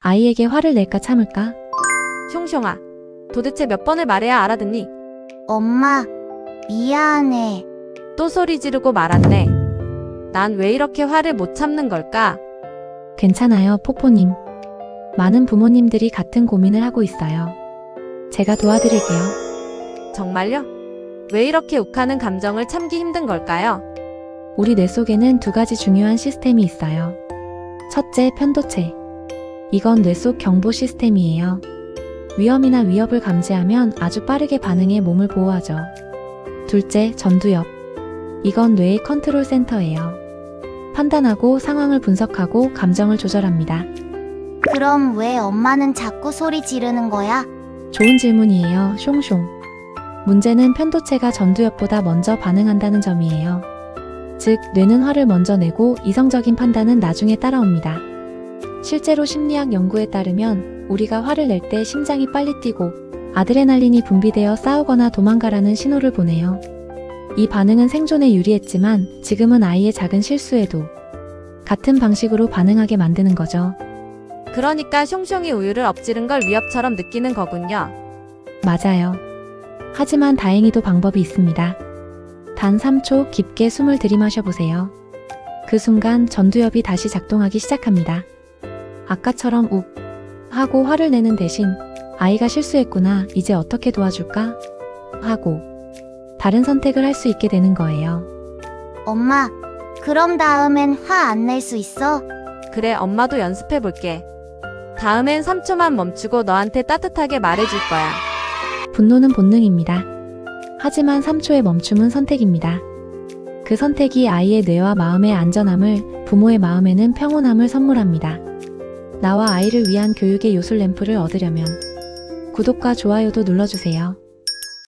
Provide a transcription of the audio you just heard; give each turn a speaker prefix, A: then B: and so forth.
A: 아이에게 화를 낼까 참을까?
B: 숑숑아, 도대체 몇 번을 말해야 알아듣니?
C: 엄마, 미안해.
B: 또 소리 지르고 말았네. 난 왜 이렇게 화를 못 참는 걸까?
A: 괜찮아요, 포포님. 많은 부모님들이 같은 고민을 하고 있어요. 제가 도와드릴게요.
B: 정말요? 왜 이렇게 욱하는 감정을 참기 힘든 걸까요?
A: 우리 뇌 속에는 두 가지 중요한 시스템이 있어요. 첫째, 편도체. 이건 뇌 속 경보 시스템이에요. 위험이나 위협을 감지하면 아주 빠르게 반응해 몸을 보호하죠. 둘째, 전두엽. 이건 뇌의 컨트롤 센터예요. 판단하고 상황을 분석하고 감정을 조절합니다.
C: 그럼 왜 엄마는 자꾸 소리 지르는 거야?
A: 좋은 질문이에요, 숑숑. 문제는 편도체가 전두엽보다 먼저 반응한다는 점이에요. 즉, 뇌는 화를 먼저 내고 이성적인 판단은 나중에 따라옵니다. 실제로 심리학 연구에 따르면 우리가 화를 낼 때 심장이 빨리 뛰고 아드레날린이 분비되어 싸우거나 도망가라는 신호를 보내요. 이 반응은 생존에 유리했지만 지금은 아이의 작은 실수에도 같은 방식으로 반응하게 만드는 거죠.
B: 그러니까 숑숑이 우유를 엎지른 걸 위협처럼 느끼는 거군요.
A: 맞아요. 하지만 다행히도 방법이 있습니다. 단 3초 깊게 숨을 들이마셔 보세요. 그 순간 전두엽이 다시 작동하기 시작합니다. 아까처럼 욱 하고 화를 내는 대신 아이가 실수했구나, 이제 어떻게 도와줄까? 하고 다른 선택을 할 수 있게 되는 거예요.
C: 엄마, 그럼 다음엔 화 안 낼 수 있어?
B: 그래, 엄마도 연습해 볼게. 다음엔 3초만 멈추고 너한테 따뜻하게 말해줄 거야.
A: 분노는 본능입니다. 하지만 3초의 멈춤은 선택입니다. 그 선택이 아이의 뇌와 마음의 안전함을, 부모의 마음에는 평온함을 선물합니다. 나와 아이를 위한 교육의 요술 램프를 얻으려면 구독과 좋아요도 눌러주세요.